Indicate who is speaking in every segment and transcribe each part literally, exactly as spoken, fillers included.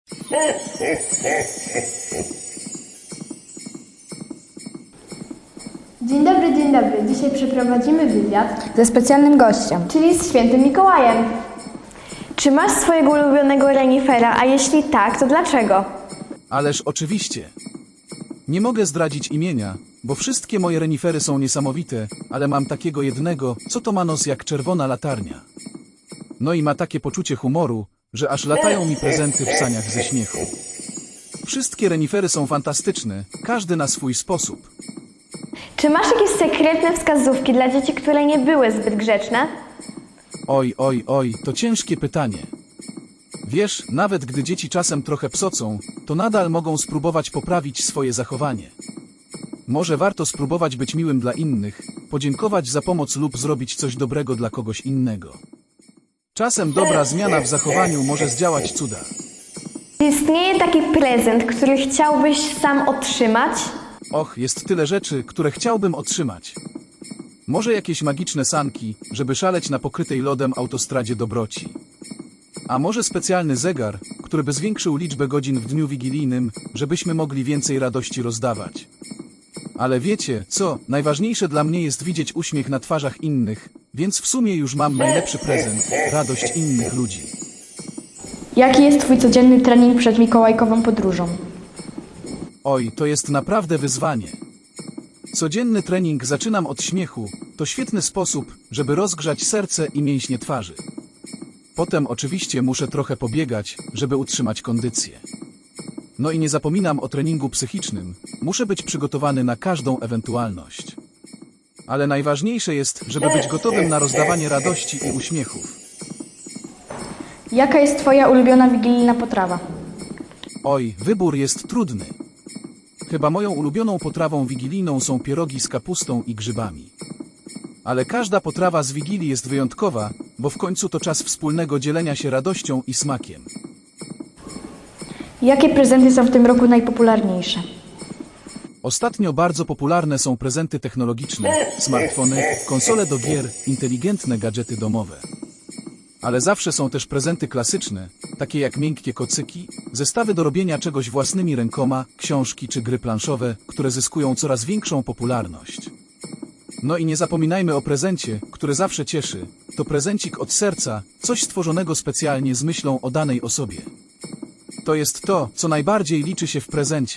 Speaker 1: Dzień dobry, dzień dobry. Dzisiaj przeprowadzimy wywiad
Speaker 2: ze specjalnym gościem,
Speaker 1: czyli z świętym Mikołajem. Czy masz swojego ulubionego renifera, a jeśli tak, to dlaczego?
Speaker 3: Ależ oczywiście. Nie mogę zdradzić imienia, bo wszystkie moje renifery są niesamowite, ale mam takiego jednego, co to ma nos jak czerwona latarnia. No i ma takie poczucie humoru, że aż latają mi prezenty w saniach ze śmiechu. Wszystkie renifery są fantastyczne, każdy na swój sposób.
Speaker 1: Czy masz jakieś sekretne wskazówki dla dzieci, które nie były zbyt grzeczne?
Speaker 3: Oj, oj, oj, to ciężkie pytanie. Wiesz, nawet gdy dzieci czasem trochę psocą, to nadal mogą spróbować poprawić swoje zachowanie. Może warto spróbować być miłym dla innych, podziękować za pomoc lub zrobić coś dobrego dla kogoś innego. Czasem dobra zmiana w zachowaniu może zdziałać cuda.
Speaker 1: Czy istnieje taki prezent, który chciałbyś sam otrzymać?
Speaker 3: Och, jest tyle rzeczy, które chciałbym otrzymać. Może jakieś magiczne sanki, żeby szaleć na pokrytej lodem autostradzie dobroci. A może specjalny zegar, który by zwiększył liczbę godzin w dniu wigilijnym, żebyśmy mogli więcej radości rozdawać. Ale wiecie, co? Najważniejsze dla mnie jest widzieć uśmiech na twarzach innych, więc w sumie już mam najlepszy prezent – radość innych ludzi.
Speaker 2: Jaki jest twój codzienny trening przed mikołajkową podróżą?
Speaker 3: Oj, to jest naprawdę wyzwanie. Codzienny trening zaczynam od śmiechu, to świetny sposób, żeby rozgrzać serce i mięśnie twarzy. Potem oczywiście muszę trochę pobiegać, żeby utrzymać kondycję. No i nie zapominam o treningu psychicznym, muszę być przygotowany na każdą ewentualność. Ale najważniejsze jest, żeby być gotowym na rozdawanie radości i uśmiechów.
Speaker 2: Jaka jest twoja ulubiona wigilijna potrawa?
Speaker 3: Oj, wybór jest trudny. Chyba moją ulubioną potrawą wigilijną są pierogi z kapustą i grzybami. Ale każda potrawa z Wigilii jest wyjątkowa, bo w końcu to czas wspólnego dzielenia się radością i smakiem.
Speaker 2: Jakie prezenty są w tym roku najpopularniejsze?
Speaker 3: Ostatnio bardzo popularne są prezenty technologiczne, smartfony, konsole do gier, inteligentne gadżety domowe. Ale zawsze są też prezenty klasyczne, takie jak miękkie kocyki, zestawy do robienia czegoś własnymi rękoma, książki czy gry planszowe, które zyskują coraz większą popularność. No i nie zapominajmy o prezencie, który zawsze cieszy. To prezencik od serca, coś stworzonego specjalnie z myślą o danej osobie. To jest to, co najbardziej liczy się w prezencie.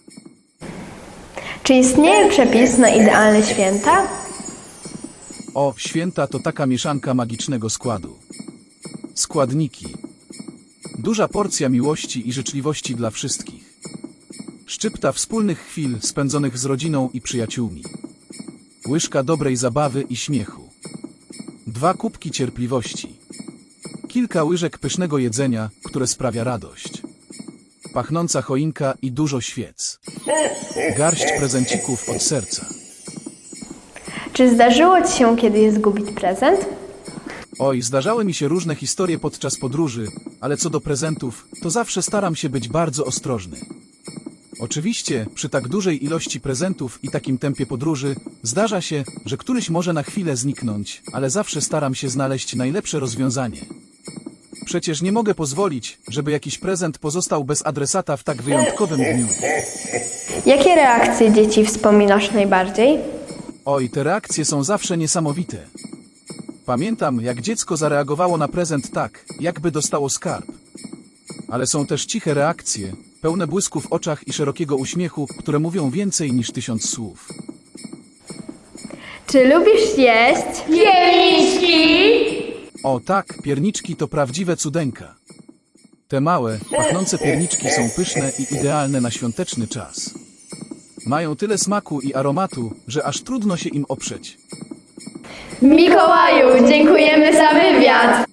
Speaker 1: Czy istnieje przepis na idealne święta?
Speaker 3: O, święta to taka mieszanka magicznego składu. Składniki. Duża porcja miłości i życzliwości dla wszystkich. Szczypta wspólnych chwil spędzonych z rodziną i przyjaciółmi. Łyżka dobrej zabawy i śmiechu. Dwa kubki cierpliwości. Kilka łyżek pysznego jedzenia, które sprawia radość. Pachnąca choinka i dużo świec. Garść prezencików od serca.
Speaker 1: Czy zdarzyło ci się kiedyś zgubić prezent?
Speaker 3: Oj, zdarzały mi się różne historie podczas podróży, ale co do prezentów, to zawsze staram się być bardzo ostrożny. Oczywiście, przy tak dużej ilości prezentów i takim tempie podróży, zdarza się, że któryś może na chwilę zniknąć, ale zawsze staram się znaleźć najlepsze rozwiązanie. Przecież nie mogę pozwolić, żeby jakiś prezent pozostał bez adresata w tak wyjątkowym dniu.
Speaker 1: Jakie reakcje dzieci wspominasz najbardziej?
Speaker 3: Oj, te reakcje są zawsze niesamowite. Pamiętam, jak dziecko zareagowało na prezent tak, jakby dostało skarb. Ale są też ciche reakcje, pełne błysku w oczach i szerokiego uśmiechu, które mówią więcej niż tysiąc słów.
Speaker 1: Czy lubisz jeść pierniczki?
Speaker 3: O tak, pierniczki to prawdziwe cudeńka. Te małe, pachnące pierniczki są pyszne i idealne na świąteczny czas. Mają tyle smaku i aromatu, że aż trudno się im oprzeć.
Speaker 1: Mikołaju, dziękujemy za wywiad!